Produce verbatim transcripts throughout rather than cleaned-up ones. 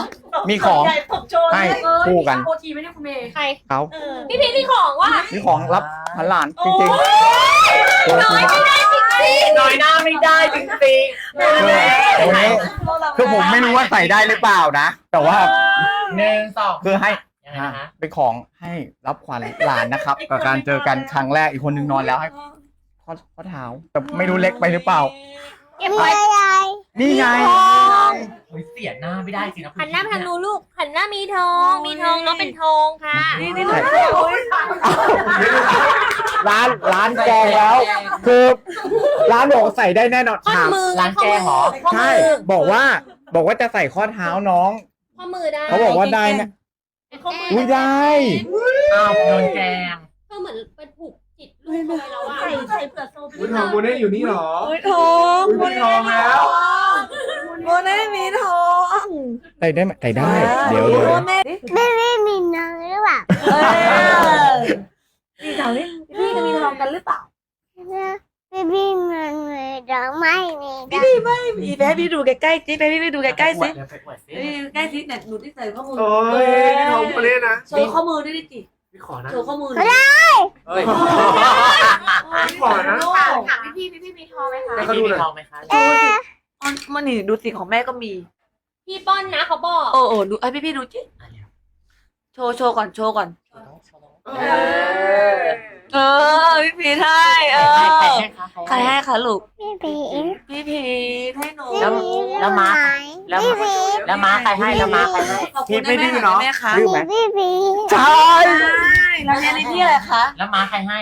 มีของให้คู่กันโอทีไม่ได้คุณเมย์ใครเขาพี่พีมีของว่ะมีของรับหลานจริงๆตัวจริงน้อยหน้าไม่ได้จริงๆคือตรงนี้คือผมไม่รู้ว่าใส่ได้หรือเปล่านะ แต่ว่าหนึ่งสองคือให้ยังไงนะคะเป็นของให้รับขวัญหลานนะครับกับการเจอกันครั้งแรกอีกคนนึงนอนแล้วให้ข้อข้อเท้าแต่ไม่รู้เล็กไปหรือเปล่าเก็บไว้นี่ไงเฮ้ยเสียหน้าไม่ได้จริงนะหันหน้าไปทางนู้นลูกหันหน้ามีทองมีทองน้องเป็นทองค่ะนี่นี่ร้านร้านแกงแล้ว คือร้านบอกใส่ได้แน่นอนข้อถามมือร้านแกงเหรอข้อใช่มือบอกว่าบอกว่าจะใส่ข้อเท้าน้องข้อมือได้เขาบอกว่าได้นะข้อมือุ้ยได้อ้าวโดนแกงก็เหมือนเป็นผูกจิตลูกเอาไว้แล้วอ่ะใส่ใส่เผื่อโซไปอุ้ยทองโมเน่อยู่นี่เหรออุ้ยทองอุ้ยมีทองแล้วโมเน่มีทองใส่ได้ไหมใส่ได้ เดี๋ยวเดี๋ยวโมเน่ไม่ไม่มีน้องหรือเปล่าเออพี่ถามนี่พี่จะมีทองกันหรือเปล่าไม่มีมันเลยน้องไม่มีพี่พี่ไม่มีไปให้พี่ดูใกล้ๆสิไปให้พี่ดูใกล้ๆสิเดี๋ยวไปอวดสิพี่ใกล้สิเนี่ยหนูที่ใส่ข้อมือโอ้ยมีทองโมเน่นะโชว์ข้อมือด้วยดิจิพี่ขอนะโชว์ข้อมือเฮ้ยพี่ขอนะถามพี่พี่พี่มีทองไหมคะให้เขาดูหน่อยทองไหมคะโชว์สิมันนี่ดูสิของแม่ก็มีพี่ป้อนนะเขาบอกโอ้โอ้ดูไอ้พี่พี่ดูจิโชว์โชว์ก่อนโชว์ก่อนเออเออพี่พีทให้เอใครอให้คะใครให้คะลูกพี่พีพี่พีให้หนูแล้วแล้วมาแล้วมาแล้วมาใครให้แล้วมาใครให้ขอบคุณแม่หน่อยแม่คะดื้อไหมพี่พีใช่แล้วเรียนในที่อะไรคะแล้วมาใครให้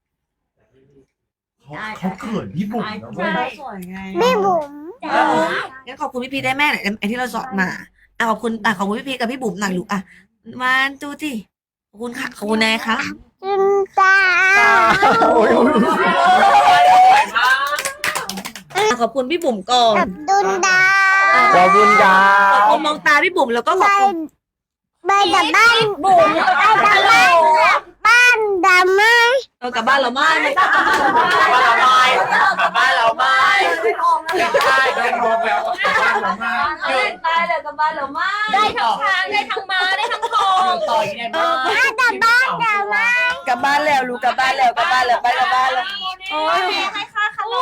เขาเขินพี่บุ๋มนะเว้ยสวยไงพี่บุ๋มงั้นขอบคุณพี่พีได้แม่หน่อยไอ้ที่เราสอนมาอ่ะขอบคุณอ่ะขอบคุณพี่พีกับพี่บุ๋มหน่อยลูกอ่ะมาดูที่ขอบคุณค่ะขอบคุณนายค่ะจุนตาโอ้ยอ่ะขอบคุณพี่บุ๋มก่อนกับดุนดาขอบคุณจ้าขอบคุณมองตาพี่บุ๋มแล้วก็ขไปอบคุณไปดับบ้านบุ๋มไปดับบ้านบ้านดับไม้เรากลับบ้านเราไม่ไม่บ้านเราไม่บ้านเราไม่ไม่ได้โดนโดนแล้วบ้านเราไม่หยุดตายเลยกลับบ้านเราไม่ได้ทั้งช้างได้ทั้งม้าได้ทั้งทองต่อยได้ไหมดับบ้านดับไม้กลับบ้านแล้วลูกกลับบ้านแล้วกลับบ้านแล้วไปกลับบ้านแล้วโอ้ยให้ค่าขน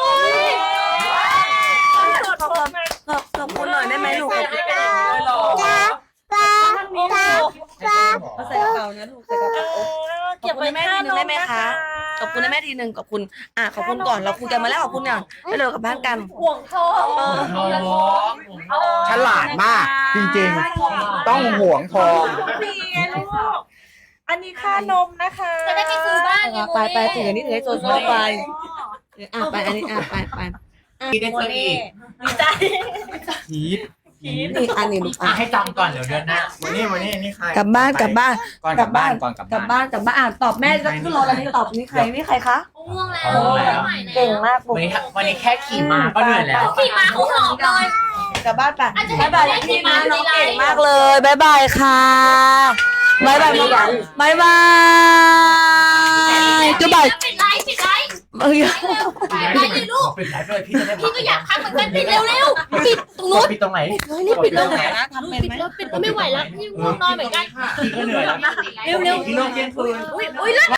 มขอบขอบคุณหน่อยได้ไหมลูกจ้าจ้าจ้าจ้าเอาใส่กระเป๋านะลูกใส่กระเป๋าเก็บไว้แม่ทีนึงได้ไหมคะขอบคุณแม่ทีนึงขอบคุณอ่ะขอบคุณก่อนเราคุยกันมาแล้วขอบคุณเนี่ยแล้วเรากลับบ้านกันห่วงทองทองทองฉลาดมาก จริงๆ ต้องห่วงทองอันนี้ค่านมนะคะจะได้ไปซื้อบ้านไงไปไปถือนี่ถือให้โซโซ่ไปอ่ะไปอันนี้อ่ะไปไปมีได้ซื้ออีกพีทนี่อันนี้อ่ะให้จำก่อนเดี๋ยวเดือนหน้าวันนี้วันนี้นี่ใครกลับบ้านกลับบ้านก่อนกลับบ้านก่อนกลับกลับบ้านบ้านกลับบ้านอ่านตอบแม่จะขึ้นรอแล้วนี่ตอบนี่ใครนี่ใครคะง่วงแล้วเก่งมากบุ๋วันมนี้วันนี้แค่ขี่ม้าก็เหนื่อยแล้วขี่ม้าเขาหอบเลยกลับบ้านไปอาจจะเห็บ๊าน ยบายได้พี่ขี่ม้านะน้องในไลเก่งน์มากเลยบ๊ายบายค่ะบ๊ายบายบ๊ายบายจะบายปิดไลฟ์ปิดไลฟ์เอ้ยปิดไลฟ์เลยลูกปิดไลฟ์เลยพี่จะได้พี่ก็อยากพักเหมือนกันปิดเร็วๆปิดตรงนู้นปิดตรงไหนนี่ปิดแล้วไหนนะทำเป็นปิดไหมแล้วปิดก็ไม่ไหวแล้วพี่ง่วงนอนเหมือนกันพี่ก็เหนื่อยแล้วเร็วพี่โลกเที่ยงคืนๆอุ้ยอุ้ย